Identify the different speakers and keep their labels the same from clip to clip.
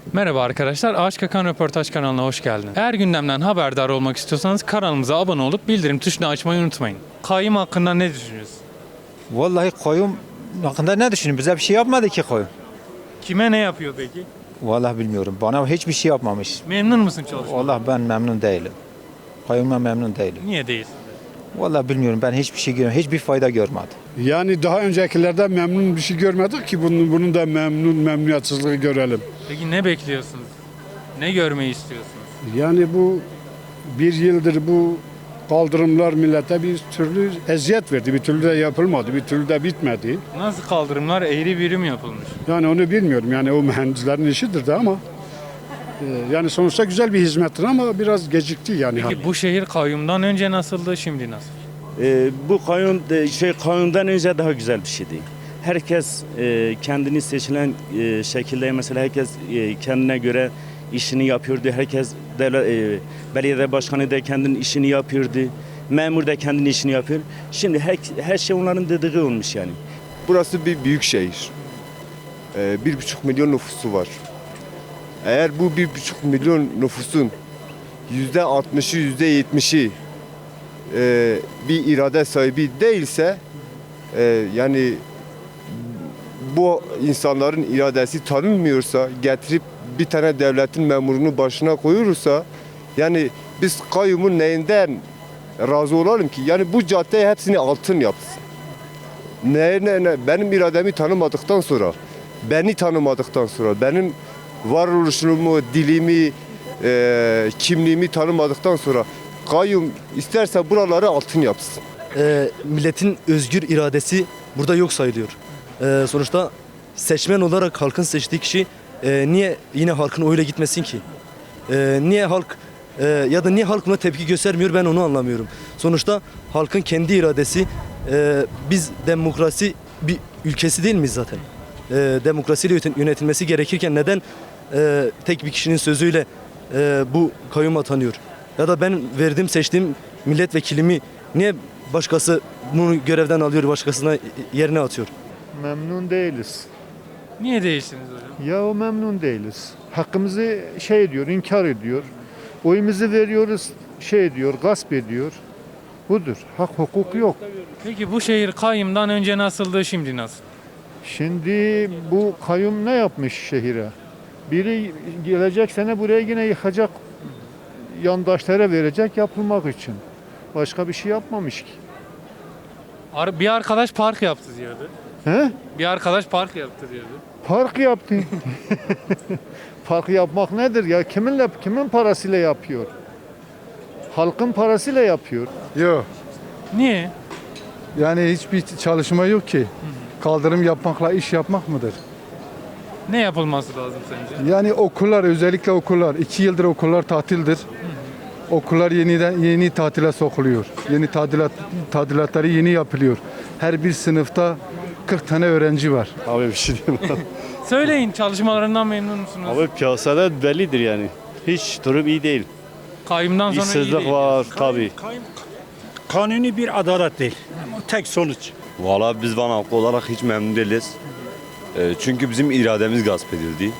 Speaker 1: Merhaba arkadaşlar, Ağaç Kakan Röportaj kanalına hoş geldiniz. Eğer gündemden haberdar olmak istiyorsanız kanalımıza abone olup bildirim tuşunu açmayı unutmayın. Kayyum hakkında ne düşünüyorsunuz?
Speaker 2: Vallahi koyun hakkında ne düşünüyorsun? Bize bir şey yapmadı ki koyun.
Speaker 1: Kime ne yapıyor peki?
Speaker 2: Vallahi bilmiyorum. Bana hiçbir şey yapmamış.
Speaker 1: Memnun musun çalışmadan?
Speaker 2: Vallahi ben memnun değilim. Koyundan memnun değilim.
Speaker 1: Niye değilsin?
Speaker 2: Vallahi bilmiyorum. Ben hiçbir şey görmedim. Hiçbir fayda görmedim.
Speaker 3: Yani daha öncekilerden memnun bir şey görmedik ki bunun da memnuniyatsızlığı görelim.
Speaker 1: Peki ne bekliyorsunuz? Ne görmeyi istiyorsunuz?
Speaker 3: Yani bu bir yıldır bu kaldırımlar millete bir türlü eziyet verdi. Bir türlü de yapılmadı, bir türlü de bitmedi.
Speaker 1: Nasıl kaldırımlar eğri büğrü mü yapılmış?
Speaker 3: Yani onu bilmiyorum. Yani o mühendislerin işidir de ama yani sonuçta güzel bir hizmettir ama biraz gecikti yani.
Speaker 1: Peki bu şehir kayyumdan önce nasıldı, şimdi nasıl?
Speaker 4: Bu kanundan önce daha güzel bir şeydi. Herkes kendini seçilen şekilde mesela herkes kendine göre işini yapıyordu. Herkes belediye başkanı da kendinin işini yapıyordu. Memur da kendinin işini yapıyor. Şimdi her şey onların dediği olmuş yani.
Speaker 5: Burası bir büyük şehir. 1,5 milyon nüfusu var. Eğer bu 1,5 milyon nüfusun %60'ı, %70'i bir irade sahibi değilse, yani bu insanların iradesi tanınmıyorsa, getirip bir tane devletin memurunu başına koyursa, yani biz kayyumun neyinden razı olalım ki? Yani bu caddeyi hepsini altın yapsın. Benim irademi tanımadıktan sonra, beni tanımadıktan sonra, benim varoluşumu, dilimi, kimliğimi tanımadıktan sonra kayyum isterse buraları altın yapsın.
Speaker 6: Milletin özgür iradesi burada yok sayılıyor. Sonuçta seçmen olarak halkın seçtiği kişi niye yine halkın oyuyla gitmesin ki? Niye halk ya da niye halk buna tepki göstermiyor, ben onu anlamıyorum. Sonuçta halkın kendi iradesi, biz demokrasi bir ülkesi değil miyiz zaten? Demokrasiyle yönetilmesi gerekirken neden tek bir kişinin sözüyle bu kayyum atanıyor? Ya da ben verdiğim, seçtiğim milletvekilimi niye başkası bunu görevden alıyor, başkasına yerine atıyor?
Speaker 7: Memnun değiliz.
Speaker 1: Niye değilsiniz hocam?
Speaker 7: Ya o memnun değiliz. Hakkımızı ediyor, inkar ediyor. Oyumuzu veriyoruz, ediyor, gasp ediyor. Budur. Hak hukuk yok.
Speaker 1: Peki bu şehir kayyumdan önce nasıldı, şimdi nasıl?
Speaker 7: Şimdi bu kayyum ne yapmış şehire? Biri gelecek sene buraya yine yıkacak, yandaşlara verecek yapılmak için. Başka bir şey yapmamış ki.
Speaker 1: Bir arkadaş park yaptı diyordu.
Speaker 7: He?
Speaker 1: Bir arkadaş park yaptı diyordu.
Speaker 7: Park yaptı. Park yapmak nedir ya? Kimin parasıyla yapıyor? Halkın parasıyla yapıyor.
Speaker 8: Yok.
Speaker 1: Niye?
Speaker 8: Yani hiçbir çalışma yok ki. Kaldırım yapmakla iş yapmak mıdır?
Speaker 1: Ne yapılması lazım sence?
Speaker 8: Yani okullar, özellikle okullar. 2 yıldır okullar tatildir. Okullar yeni tatile sokuluyor. Yeni tadilatları yeni yapılıyor. Her bir sınıfta 40 tane öğrenci var.
Speaker 9: Abi bir şey diyeyim.
Speaker 1: Söyleyin, çalışmalarından memnun musunuz?
Speaker 9: Abi piyasada bellidir yani. Hiç durum iyi değil.
Speaker 1: Kayyumdan sonra iyi
Speaker 9: İşsizlik
Speaker 1: değil.
Speaker 9: var tabii.
Speaker 10: Kanuni bir adalet değil. Tek sonuç.
Speaker 11: Valla biz Van halkı olarak hiç memnun değiliz. Çünkü bizim irademiz gasp edildi.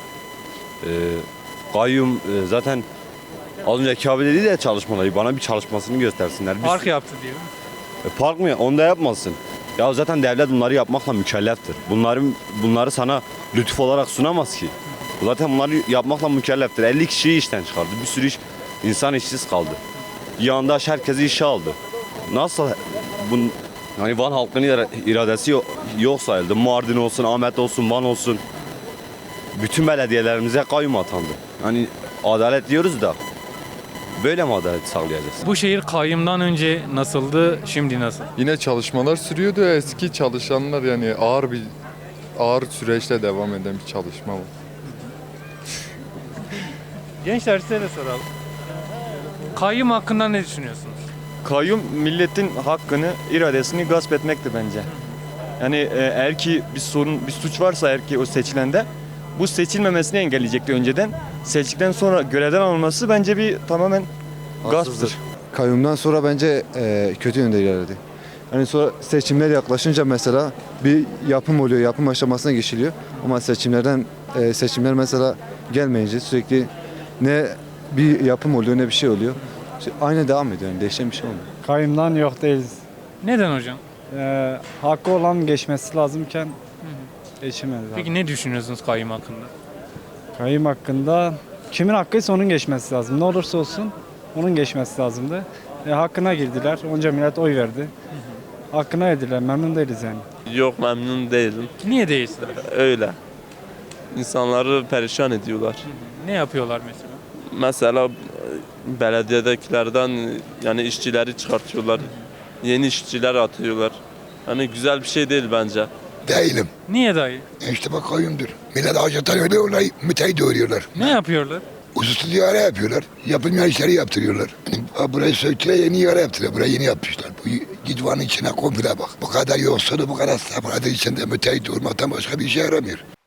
Speaker 11: Kayyum zaten az önceki abi dedi de çalışmaları bana bir çalışmasını göstersinler.
Speaker 1: Park yaptı diyor.
Speaker 11: Park mı? Onu da yapmasın. Ya zaten devlet bunları yapmakla mükelleftir. Bunları sana lütuf olarak sunamaz ki. Zaten bunları yapmakla mükelleftir. 50 kişiyi işten çıkardı. Bir sürü insan işsiz kaldı. Yandaş herkesi işe aldı. Nasıl hani Van halkının iradesi yok sayıldı. Mardin olsun, Ahmet olsun, Van olsun. Bütün belediyelerimize kayyum atandı. Hani adalet diyoruz da böyle mi adalet sağlayacağız?
Speaker 1: Bu şehir kayyumdan önce nasıldı, şimdi nasıl?
Speaker 12: Yine çalışmalar sürüyordu. Eski çalışanlar yani ağır süreçte devam eden bir çalışma var.
Speaker 1: Gençler size de soralım. Kayyum hakkında ne düşünüyorsunuz?
Speaker 13: Kayyum milletin hakkını, iradesini gasp etmektir bence. Yani eğer ki bir suç varsa eğer ki o seçilende bu seçilmemesini engelleyecekti önceden. Seçildikten sonra görevden alınması bence bir tamamen gasptır.
Speaker 14: Kayyumdan sonra bence kötü yönde ilerledi. Hani sonra seçimler yaklaşınca mesela bir yapım oluyor, yapım aşamasına geçiliyor. Ama seçimler mesela gelmeyince sürekli ne bir yapım oluyor ne bir şey oluyor. İşte aynı devam ediyor yani değişen bir şey olmuyor.
Speaker 15: Kayımdan yok değiliz.
Speaker 1: Neden hocam?
Speaker 15: Hakkı olan geçmesi lazımken geçemedi.
Speaker 1: Peki ne düşünüyorsunuz kayyum hakkında?
Speaker 15: Kayım hakkında kimin hakkıysa onun geçmesi lazım. Ne olursa olsun onun geçmesi lazımdı. Hakkına girdiler. Onca millet oy verdi. Hakkına yediler. Memnun değiliz yani.
Speaker 16: Yok memnun değilim.
Speaker 1: Niye değilsin?
Speaker 16: Öyle. İnsanları perişan ediyorlar.
Speaker 1: Ne yapıyorlar mesela?
Speaker 16: Mesela belediyedekilerden yani işçileri çıkartıyorlar. Yeni işçiler atıyorlar. Hani güzel bir şey değil bence.
Speaker 17: Değilim.
Speaker 1: Niye dayı?
Speaker 17: İşte bak kayyumdur. Millet hacetler öyle olay müteahhit doğuruyorlar.
Speaker 1: Ne yapıyorlar?
Speaker 17: Ususlu ihale yapıyorlar. Yapılmayan işleri yaptırıyorlar. Yani burayı söktüler yeni ihale yaptırıyorlar. Burayı yeni yapmışlar. Bu gidvanın içine komple bak. Bu kadar yoksulu bu kadar sabırlı içinde müteahhit olmaktan başka bir işe yaramıyor.